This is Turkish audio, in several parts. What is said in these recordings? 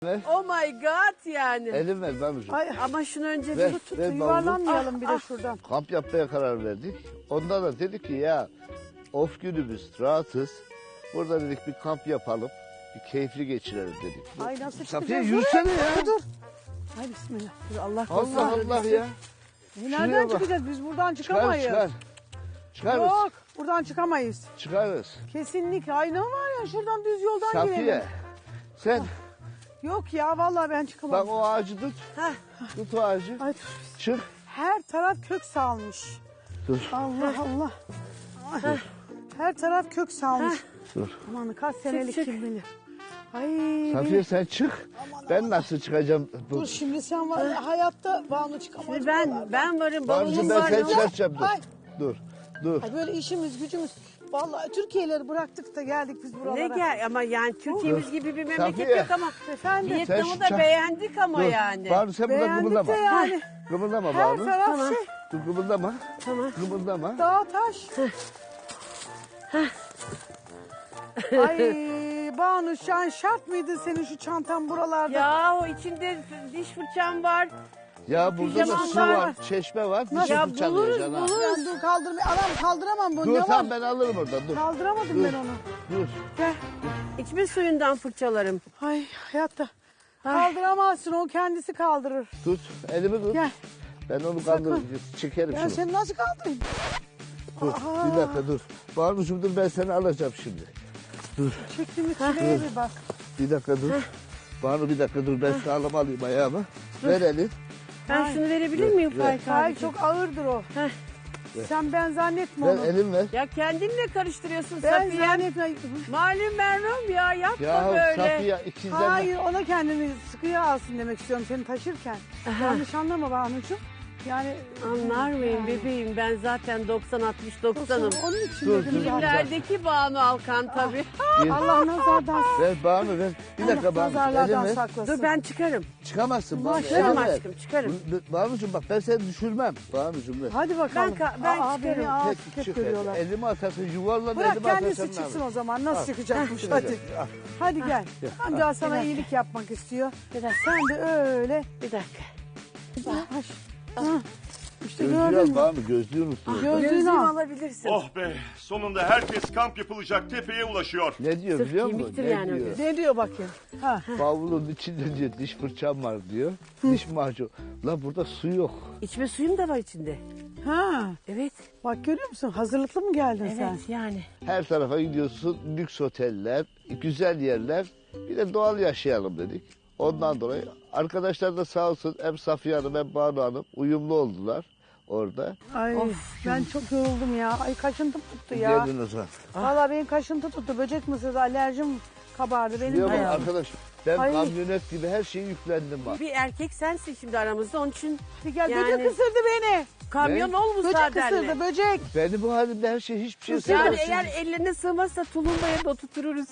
Ver. Oh my god yani. Elim ver Banucuğum. Ay, Ama şunu önce Ver, bir tut. ver yuvarlanmayalım bir de şuradan. Kamp yapmaya karar verdik. Ondan da dedik ki ya off günümüz rahatız. Burada dedik bir kamp yapalım. Bir keyifli geçirelim dedik. Ay nasıl Safiye çıkacağız? yürüsene ya. Dur. Ay bismillah. Dur, Allah korusun. Allah Allah ya. Nereden Şuraya bak. çıkacağız? Biz buradan Çıkar çıkamayız. çıkar. Çıkarız. Yok buradan çıkamayız. Çıkarız. Kesinlikle. Ay ne var ya şuradan düz yoldan Safiye girelim. sen Yok ya vallahi ben çıkamam. bak o ağacı tut. Heh. Tut o ağacı. Ay, Çık. her taraf kök salmış. Dur. Allah Allah. Ay, her taraf kök salmış. Dur. Aman kaç senelik çık. kim bilir. Ay Safiye benim- sen çık. Ben nasıl çıkacağım? Dur şimdi sen var ya, hayatta Banu çıkamaz. Şimdi buralardan. ben varım. Banucuğum Bavulum ben var. seni yok. çıkartacağım. Dur. Ay. Dur. Dur. Ay böyle işimiz gücümüz. Vallahi Türkiye'leri bıraktık da geldik biz buralara. Ne gel ama yani Türkiye'miz gibi bir memleket Safiye. yok ama Efendim. Vietnam'ı Sen da şu- beğendik ama Dur. yani. Banu sen burada Beğendik kımıldama. de yani. Kımıldama Her Banu. taraf Tamam. şey. Dur kımıldama. Tamam. Kımıldama. Dağ taş. Ay Banu şart mıydı senin şu çantan buralarda? Ya o içinde diş fırçam var. Ya burada da Pijamam su var. var, çeşme var. Bir şey Ya fırçalayacaksın ha. buluruz. Ben dur kaldırmayı. Anam kaldıramam bunu. Dur Ne var? tamam ben alırım oradan dur. Kaldıramadım Dur. ben onu. Dur. Gel. İçme suyundan fırçalarım. Ay hayatta. Kaldıramazsın o kendisi kaldırır. Tut. Elimi tut. Gel. Ben onu kaldırırım. Çekerim Ben şunu. seni nasıl kaldırayım? Dur. Bir dakika dur. Banucuğum dur ben seni alacağım şimdi. Dur. Çektiğimiz çileye bir bak. Bir dakika dur. Banu bir dakika dur ben sağlam alayım ayağımı. Ver elini. Ben Ay. şunu verebilir miyim Ver. Faik Ay abi? çok ağırdır o. Heh. Sen ben zannetme Ver onu. elini ver. Ya kendinle karıştırıyorsun Ben Safiye. zannetme. Malum merhum ya yapma Ya böyle. Safiye ikizden. Hayır ona kendini sıkıya alsın demek istiyorum seni taşırken. Yanlış anlama Banucuğum. Yani Anlar mıyım Yani. bebeğim ben zaten 90-60-90'ım. Onun için Dur, dedim dur. zaten. Filmlerdeki Banu Alkan tabii. Allah nazardan Ver Banu ver. Bir dakika Allah Banu. Elini nazarlardan ver. saklasın. Dur ben çıkarım. Çıkamazsın Banu. Maşallah. elini Çıkarım ver. aşkım çıkarım. Banucuğum bak ben seni düşürmem. Banucuğum ver. Hadi bakalım. Ben Aa, çıkarım. beni ağır Peki, hep çık görüyorlar. elimi atarsın yuvarlan Bırak elimi atarsın. kendisi ne çıksın yapayım? o zaman. Nasıl Al. çıkacakmış Heh, hadi. al. Hadi gel. Amca sana dakika. iyilik yapmak istiyor. Bir dakika. Sen de öyle. Bir dakika. Yavaş. Hı. İşte Gözlüğü gördün al mü? Banu gözlüğü unuttun. Gözlüğünü Gözlüğümü al. alabilirsin. Oh be, sonunda herkes kamp yapılacak tepeye ulaşıyor. Ne diyor Sırf biliyor musun? kemiktir Ne yani o diyor? göz. Ne diyor bakayım? Ha. Bavulun içinde diyor diş fırçam var diyor. Diş macunu. La burada su yok. İçme suyum da var içinde. Ha. Evet. Bak görüyor musun? Hazırlıklı mı geldin sen? Evet yani. Her tarafa gidiyorsun. Lüks oteller, güzel yerler. Bir de doğal yaşayalım dedik. Ondan dolayı arkadaşlar da sağ olsun hem Safiye Hanım hem Banu Hanım uyumlu oldular orada. Ay ben çok yoruldum ya. Ay kaşıntım tuttu ya. Geldin o zaman. Vallahi benim kaşıntı tuttu. Böcek mısırdı alerjim kabardı. Benim Biliyor musun ayağım. arkadaş ben Ay. kamyonet gibi her şeyi yüklendim bak. Bir erkek sensin şimdi aramızda onun için Hadi gel Yani- böcek ısırdı beni. kamyon Ne? ol Böcek müsaadenle. ısırdı böcek. Beni bu halimde her şey hiçbir şey Yani sevmez. eğer ellerine sığmazsa tulumbaya da oturtururuz.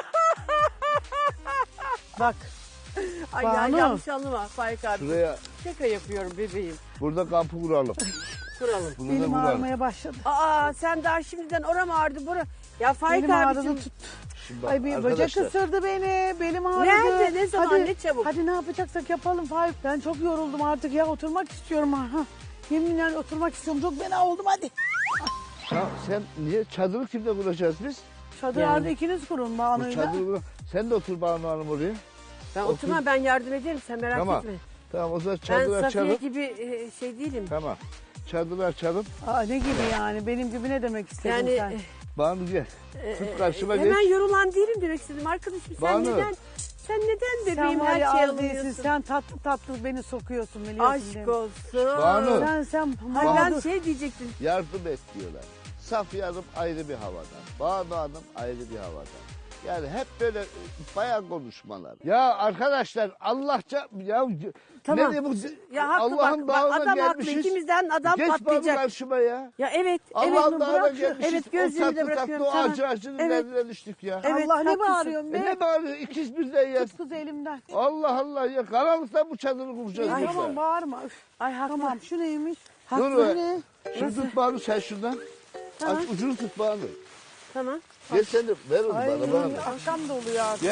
Bak Ay ya Banu. yanlış anlama Faik abi. Şuraya Şaka yapıyorum bebeğim. burada kampı kuralım. Kuralım. Bunu da benim kuralım. ağrımaya başladı. Aa sen daha şimdiden oram ağrıdı bura. Ya Faik Benim ağrıdı abicim. tuttu. Şimdi bak Ay bir böcek arkadaşlar, ısırdı beni. Belim ağrıdı. Nerede, ne zaman, Hadi, ne çabuk? Hadi ne yapacaksak yapalım Faik. Ben çok yoruldum artık ya. Oturmak istiyorum ha. Yeminle oturmak istiyorum. Çok fena oldum hadi. ya sen niye çadırı kimle kuracağız biz? Çadırlarda ikiniz kurun Bu Banu'yla. çadırı sen de otur Banu Hanım oraya. Ben oturmam ben yardım ederim sen merak Tamam. etme. Tamam o zaman Ben çadırı Safiye açalım. gibi şey değilim. Tamam. Çadırı açalım. Aa, ne gibi yani? Benim gibi ne demek istedin Yani sen? Banu gel. Tut karşıma geç. hemen yorulan değilim demek istedim arkadaşım. Sen Banu. neden Sen bebeğim var her ya şeyi az değilsin. alıyorsun? Sen tatlı tatlı beni sokuyorsun biliyorsun değil Aşk mi? olsun. Banu. Sen Ay ben mağdur. şey diyecektim. Yardım et diyorlar. Safiye Hanım ayrı bir havadan. Banu Hanım ayrı bir havadan. Yani hep böyle bayan konuşmalar. Ya arkadaşlar Allahça ya Tamam. ne diye bu Ya haklı Allah'ın bak bağına adam haklı. gelmişiz. İkimizden adam Geç Banu patlayacak. karşıma ya. Ya evet. Allah'ın evet, bağına bırak şu- gelmişiz. Evet O gözlüğümü de tatlı bırakıyorum. tatlı o Tamam. acı acının Evet. derdine düştük ya. Evet, Allah ne haklısın. bağırıyorsun be? Ne bağırıyor ikiz birden ya. Tut kız elimden. Allah Allah ya karanlıkta bu çadırı kuracağız Ay, burada. tamam bağırma. Üf, Ay haklı. tamam şu neymiş? Dur Bu be. ne? Şunu tut Banu sen şundan. Tamam. Aç ucunu tut Banu. Tamam. Gel sen de ver onu Ay bana. akşam da oluyor artık. Gel.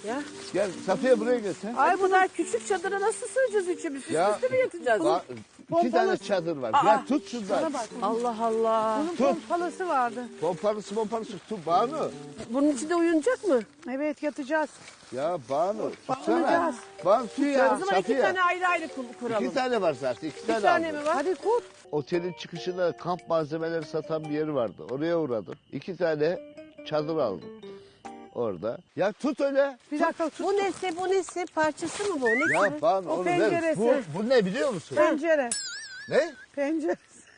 Ya. Gel Safiye buraya gel sen. Ay bu kadar küçük çadıra nasıl sığacağız üçümüz? Üst üste mi yatacağız? İki tane çadır var. Gel tut şundan. Bana bak. Allah Allah. Bunun pompalısı vardı. Pompalısı tut Banu. Bunun içinde uyunacak mı? Evet yatacağız. Ya Banu tutsana. Bağlayacağız. Banu tut O ya zaman iki Safiye. tane ayrı ayrı kuralım. İki tane var zaten. İki tane, tane aldım. mi var? Hadi kur. Otelin çıkışında kamp malzemeleri satan bir yeri vardı. Oraya uğradım. İki tane çadır aldım. Orada. Ya tut öyle. Bir dakika tut. Bu nesi? Parçası mı bu? Ne Ya Banu O onu ver. penceresi. Bu ne biliyor musun? Pencere. Ne? Pencere.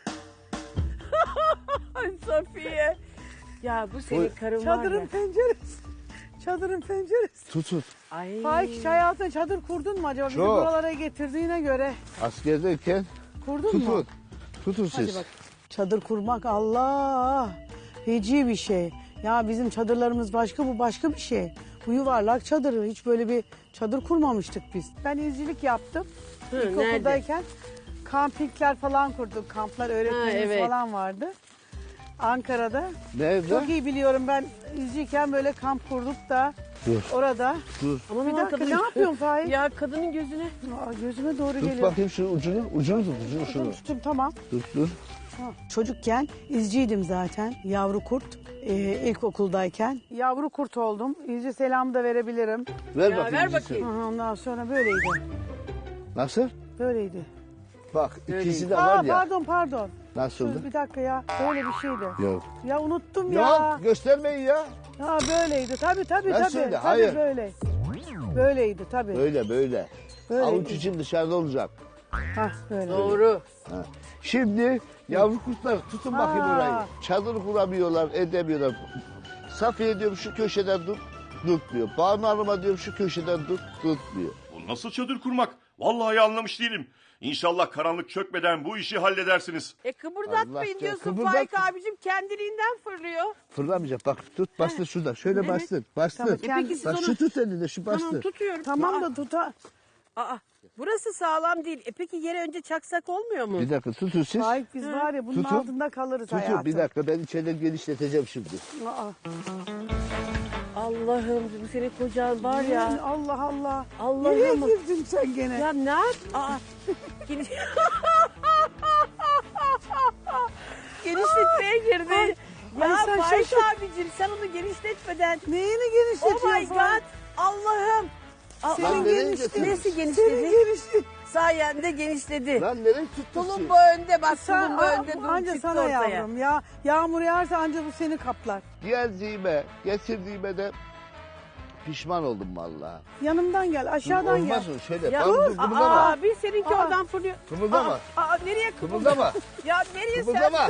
Ay Safiye. Ya bu senin karın var Çadırın ya. penceresi. Çadırın penceresi. Tut. Ay. Faik hiç hayatında çadır kurdun mu acaba? Bizi Çok. buralara getirdiğine göre. Askerdeyken Kurdun mu? Tutun Hadi siz. bak. Çadır kurmak Allah. Feci bir şey. Ya bizim çadırlarımız başka, bu başka bir şey. Bu yuvarlak çadırı. Hiç böyle bir çadır kurmamıştık biz. Ben izcilik yaptım. Hı, İlkokuldayken kampingler falan kurduk. Kamplar öğretmenimiz evet. falan vardı. Ankara'da. Nerede? Çok iyi biliyorum, ben izciyken böyle kamp kurduk da Dur. orada. Dur. Aman Bir aman dakika, kadın. ne yapıyorsun Faik? Ya kadının gözüne. Aa, gözüme doğru Tut geliyor. bakayım şu ucunu. Ucunu tut. Şunu. Tuttum, tamam. Dur. Çocukken izciydim zaten. Yavru kurt. İlkokuldayken. Yavru kurt oldum. İzci selamı da verebilirim. Ver Ya, bakayım. ver ikisi. bakayım. Aha, ondan sonra böyleydi. Nasıl? Böyleydi. Bak ikisi de var ya. Pardon. Nasıldı? Bir dakika ya. Böyle bir şeydi. Yok. Ya unuttum ya. Yok göstermeyin ya. Ha böyleydi. Tabii. Nasıldı? Tabii Hayır. böyle. Böyleydi tabii. Böyle. Böyleydi. Avuç için dışarıda olacak. Hah böyle. Doğru. Ha. Şimdi yavru kurtlar tutun bakayım Ha. orayı. Çadır kuramıyorlar, edemiyorlar. Safiye diyorum şu köşeden tutmuyor. Banu Hanım'a diyorum şu köşeden tutmuyor. Bu nasıl çadır kurmak? Vallahi anlamış değilim. İnşallah karanlık çökmeden bu işi halledersiniz. Kıpırdatmayın Allah diyorsun kıpırdat- Faik abicim, kendiliğinden fırlıyor. Fırlamayacak bak tut bastır şurada. Şöyle bastır. Tamam, peki siz Bak onu- şu tut elinde şu bastır. Tamam tutuyorum. Tamam da tuta. Aa, burası sağlam değil. Peki yere önce çaksak olmuyor mu? Bir dakika tutun siz. Faik biz var ya bunun Tutun. altında kalırız Tutun hayatım. bir dakika ben içeriden genişleteceğim şimdi. Aa. Allah'ım bu senin kocan var ya. Allah Allah. Allah'ım. Nereye girdin sen gene? Ya ne yap? Aa, geniş... Genişletmeye girdi. Ay, Ya sen Faik şaşır- abicim sen onu genişletmeden. Neyini Oh genişletiyorsun? my god. Allah'ım. Aa, Lan nereye genişledi. götürdün? Nesi Senin genişledi? genişlet. Sayende genişledi. Lan nereye tuttun Tulum siz? bu önde bak, Sen tulum bu önde anca çıktı sana ortaya. yavrum ya. Yağmur yağarsa anca bu seni kaplar. Geldiğime, getirdiğime de pişman oldum vallahi. Yanımdan gel, aşağıdan gel. Olmaz mı? Şöyle. Ya, Banu dur kımıldama. aa, bir seninki Aa. oradan fırlıyor. Kımıldama. Aa, nereye Kımıldama. Ya nereye Kımıldama.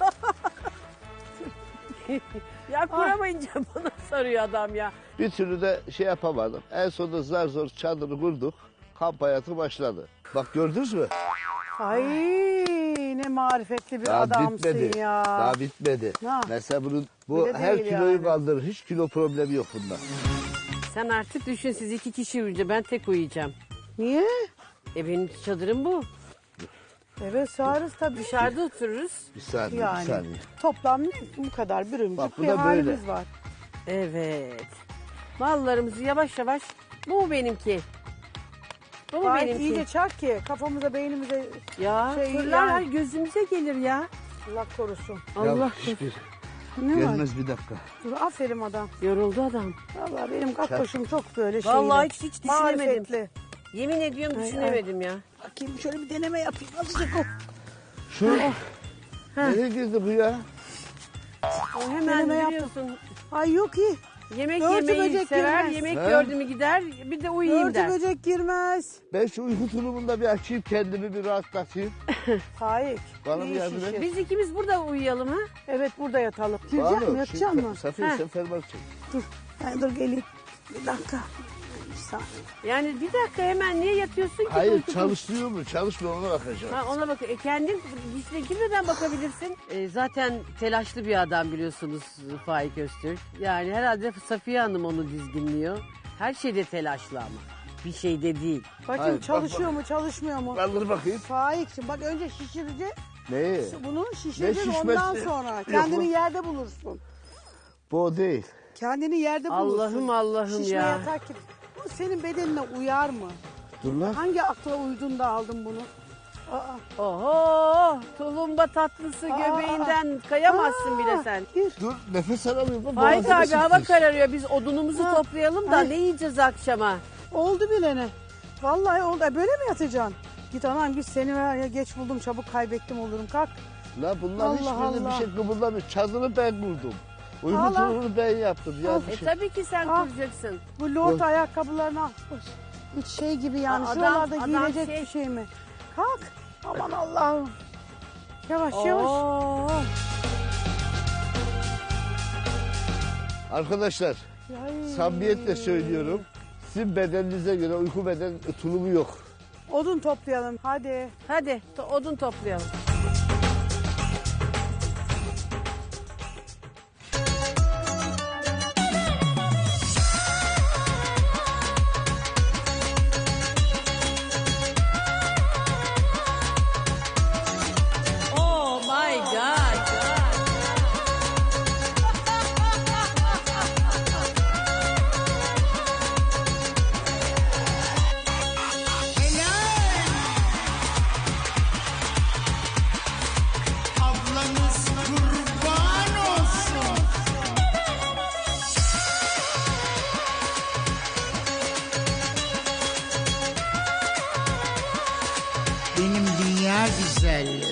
sen? Ya kuramayınca bana sarıyor adam ya. Bir türlü de şey yapamadım. En sonunda zar zor çadırı kurduk. Kamp hayatı başladı. Bak gördünüz mü? Ay ne marifetli bir Daha adamsın bitmedi. ya. Daha bitmedi. Ha. Mesela bu Öyle her değil kiloyu yani. kaldırır. Hiç kilo problemi yok bunda. Sen artık düşün, siz iki kişi uyuyunca ben tek uyuyacağım. Niye? Benim çadırım bu. Evet sığarız tabii. Dışarıda otururuz. Bir saniye, Yani bir saniye. toplam bu kadar Bak, bürümcük bu bir da halimiz böyle. var. Evet. Mallarımızı yavaş yavaş. Bu mu benimki? Bu mu Faik benimki? iyice çak ki kafamıza beynimize Ya şey, fırlar yani- gözümüze gelir ya. Allah korusun. Allah Ya, hiçbir Ne var? gelmez bir dakika. Dur, aferin adam. yoruldu adam. Vallahi benim kakkoşum çok böyle şeyli. Vallahi hiç düşünemedim. Marifetli. Yemin ediyorum Ay, düşünemedim ya. Bakayım şöyle bir deneme yapayım. Azıcık o. Şu nereye girdi bu ya? O hemen Deneme yaptım. biliyorsun. Ay yok iyi. Yemek Örtü yemeyi böcek sever, girmez. yemek He? gördü mü gider, bir de uyuyayım Örtü der. böcek girmez. Ben şu uyku tulumunda bir açayım kendimi bir rahatlatayım. Faik. Bana iyi bir yardım şişir. et. Biz ikimiz burada uyuyalım ha. Evet burada yatalım. Girecek mi? Banu, Yatacak mı? Safiye Heh. sen fermuar çek. Dur. Dur geleyim. Bir dakika. Bir saniye. Yani bir dakika, hemen niye yatıyorsun ki? Hayır Uyku- çalışıyor mu? Çalışmıyor ona bakacağım. Ha, ona bak. Kendin içine girmeden bakabilirsin. Zaten telaşlı bir adam biliyorsunuz Faik Öztürk. Yani herhalde Safiye Hanım onu dizginliyor. Her şeyde telaşlı ama. Bir şeyde değil. Bakayım Hayır, bak, çalışıyor mu çalışmıyor mu? Kaldır bakayım. Faik'cim bak önce şişireceğiz. Neyi? Bunu şişireceğiz şişmesi? ondan sonra. Yok, Kendini bu- yerde bulursun. Bu o değil. Kendini yerde bulursun. Allah'ım, Allah'ım Şişme ya. yatak gibi. Bu senin bedenine uyar mı? Dur lan. Hangi akla uydun da aldın bunu? Aa, Oho, tulumba tatlısı göbeğinden kayamazsın bile sen. Gir. Dur nefes alamıyorum. lan, Faik boğazıma abi hava sıkıştı. kararıyor. Biz odunumuzu Ha. toplayalım da Ay. ne yiyeceğiz akşama? Oldu bilene. Vallahi oldu. Böyle mi yatacaksın? Git anam git, seni var ya, geç buldum çabuk kaybettim olurum. Kalk. La bunlar Allah hiçbirinde bir Allah. şey kıpırdamıyor. Çadırı ben kurdum. Uyku Allah. tulumunu ben yaptım. Ya Al. bir şey. Tabii ki sen Ah. kuracaksın. Bu lord Oy. ayakkabılarını al. Hiç şey gibi yani. Aa, Şuralarda adam giyilecek şey- bir şey mi? Kalk. Aman Allah'ım. Yavaş yavaş. Oo. Arkadaşlar Ay. samimiyetle söylüyorum. Sizin bedeninize göre uyku beden tulumu yok. Odun toplayalım hadi. Hadi odun toplayalım. Oh my God. Ablanız kurban olsun. Benim dünya güzelleri.